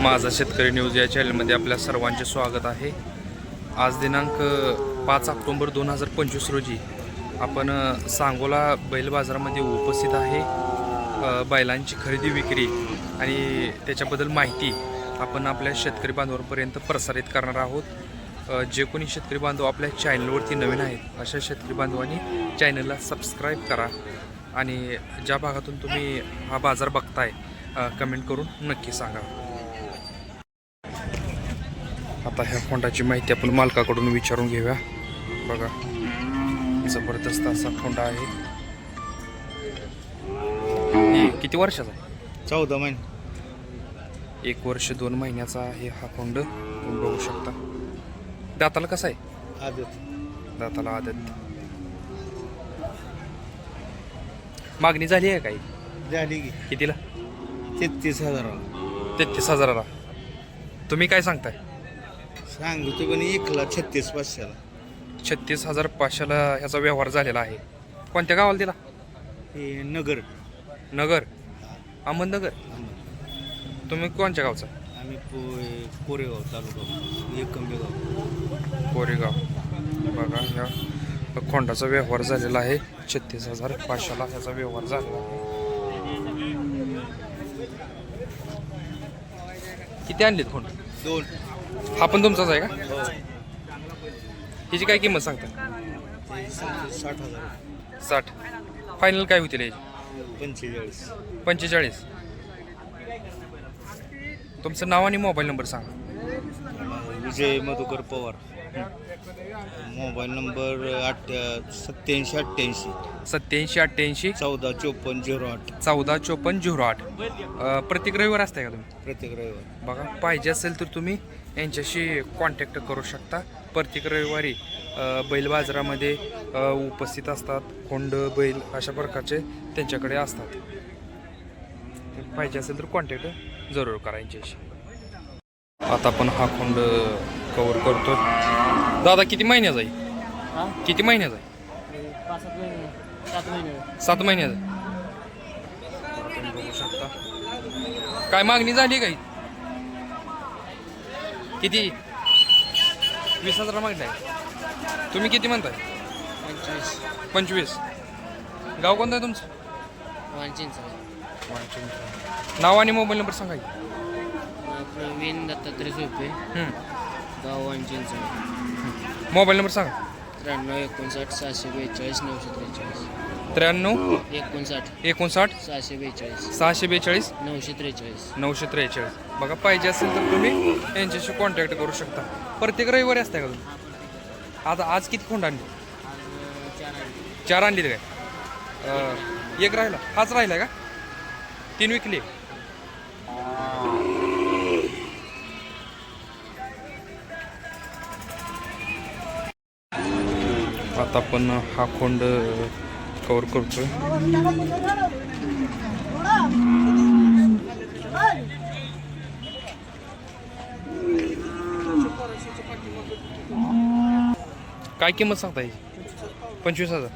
माझा शेतकरी न्यूज या चॅनलमध्ये आपल्या सर्वांचे स्वागत आहे। आज दिनांक 5 ऑक्टोबर 2025 रोजी आपण सांगोला बैल बाजारामध्ये उपस्थित आहे। बैलांची खरेदी विक्री आणि त्याच्याबद्दल माहिती आपण आपल्या शेतकरी बांधवांपर्यंत प्रसारित करणार आहोत। जे कोणी शेतकरी बांधव आपल्या चॅनलवरती नवीन आहेत अशा शेतकरी बांधवांनी चॅनलला सबस्क्राईब करा आणि ज्या भागातून तुम्ही हा बाजार बघताय कमेंट करून नक्की सांगा। आता ह्या खोंडाची माहिती आपण मालकाकडून विचारून घेऊया। बघा जबरदस्त असा खोंडा आहे। हे किती वर्षाचा आहे? 14 महिने। 1 वर्ष 2 महिन्याचा आहे हा खोंड, तुम्ही बघू शकता। दाताला कसा आहे? आदत। दाताला आदत। मागणी झाली आहे काही? झाली की कितीला? 33,000। 33,000ला। तुम्ही काय सांगताय? सांगतो पण 1,36,500ला। 36,500ला ह्याचा व्यवहार झालेला आहे। कोणत्या गावाला दिला? हे नगर। नगर, अहमदनगर। तुम्ही कोणत्या गावचा? आम्ही कोरेगाव तालुका एकंबेगाव। कोरेगाव। बघा ह्या खोंडाचा व्यवहार झालेला आहे। 36,500ला ह्याचा व्यवहार झालेला आहे। किती आणलेत खोंड? 2। हा पण तुमचाच आहे का? हो। ह्याची काय किंमत सांगता? 60,000। 60। फायनल काय होतील याची? 45। 45। तुमचं नाव आणि मोबाईल नंबर सांगा। विजय मधुकर पवार। Mobile number 8788 8788 145408। 145408। प्रत्येक रविवार असताय का तुम्ही? प्रत्येक रविवार। बघा पाहिजे असेल तर तुम्ही यांच्याशी कॉन्टॅक्ट करू शकता। प्रत्येक रविवारी बैल बाजारामध्ये उपस्थित असतात। खोंड बैल अशा प्रकारचे त्यांच्याकडे असतात। पाहिजे असेल तर कॉन्टॅक्ट जरूर करा यांच्याशी। आता आपण हा खोंड कव्हर करतो। दादा किती महिन्याचा आहे? किती महिन्याचा आहे? 7 महिन्याचा। तुम्ही बघू शकता। काय मागणी झाली काही? किती? 20,000 मागणी आहे। तुम्ही किती म्हणताय? 25। गाव कोणतं आहे तुमचं? नाव आणि मोबाईल नंबर सांगा की। प्रवीण दत्तात्रय सोपे, गाव वांचिंच। मोबाईल नंबर सांगा। 93 59 642 943। 93 59 59 642 642 943। 943। बघा पाहिजे असेल तर तुम्ही यांच्याशी कॉन्टॅक्ट करू शकता। प्रत्येक रविवारी असताय का तुम्ही? आता आज किती खोंड आणली? 4 आणली काय? एक राहिला? हाच राहिला का? 3 विकली? आता आपण हा खोंड कव्हर करतोय। काय किंमत सांगता याची? 25,000।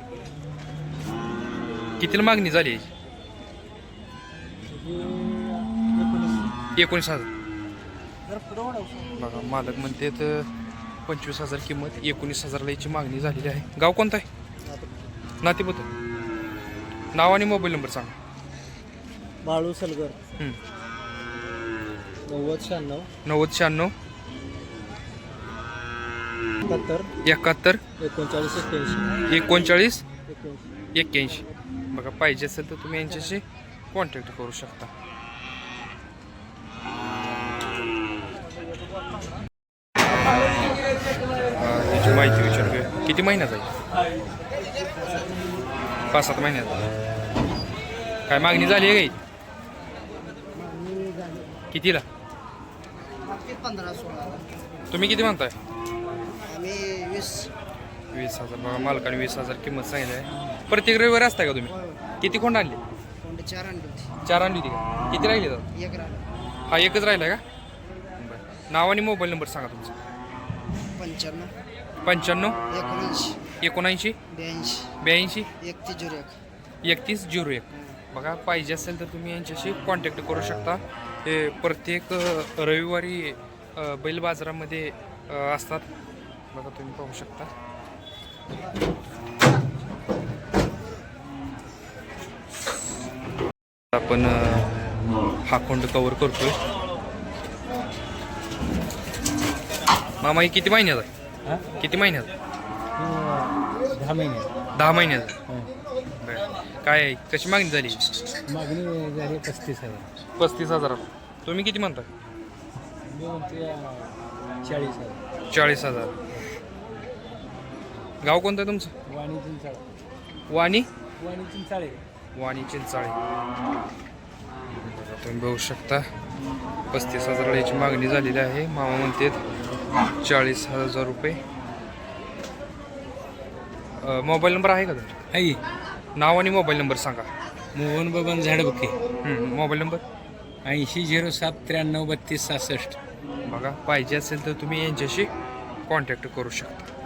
कितीला मागणी झाली याची? 19,000। बघा मालक म्हणते तर 25,000 किंमत, 19,000ला याची मागणी झालेली आहे। गाव कोणतं आहे? नातेपुत। नाव आणि मोबाईल नंबर सांगा। बाळू सलगर। 90 96 71 39 81। बघा पाहिजे असेल तर तुम्ही यांच्याशी कॉन्टॅक्ट करू शकता। याची माहिती विचारूया। किती महिन्याचा आहे? 5-7 महिन्याचा। काय मागणी झाली आहे काही? कितीला? 15-16। तुम्ही किती म्हणताय? आम्ही 20,000। बघा मालकाने 20,000 किंमत सांगितली आहे। प्रत्येक रविवारी असताय का तुम्ही? किती खोंड आणली? 4 आणली होती। 4 आणली होती का? किती राहिली दादा? 1 राहिला। हा एकच राहिला का? बरं। नाव आणि मोबाईल नंबर सांगा तुमचा। 95 95 79 79 82 82 3101। बघा पाहिजे असेल तर तुम्ही यांच्याशी कॉन्टॅक्ट करू शकता। हे प्रत्येक रविवारी बैल बाजारामध्ये असतात. बघा तुम्ही पाहू शकता. आपण हा खोंड कव्हर करतोय. मामा हे किती महिन्यात आहे? किती महिन्यात? 10 महिने 10 महिन्यात. बरं. काय आहे? कशी मागणी झाली? मागणी झाली 35,000. 35,000. तुम्ही किती म्हणता? 40,000. 40,000. गाव कोणतं आहे तुमचं? वाणी चिंचाळे. वाणी वाणी चिंचाळे. वाणी चिंचाळे. तुम्ही बघू शकता 35,000 याची मागणी झालेली आहे. मामा म्हणतात 40,000 रुपये. मोबाईल नंबर आहे का तुमचा? आई नाव आणि मोबाईल नंबर सांगा. मोहन बबन झाडबुके. Mobile number 8007933266. बघा पाहिजे असेल तर तुम्ही यांच्याशी कॉन्टॅक्ट करू शकता.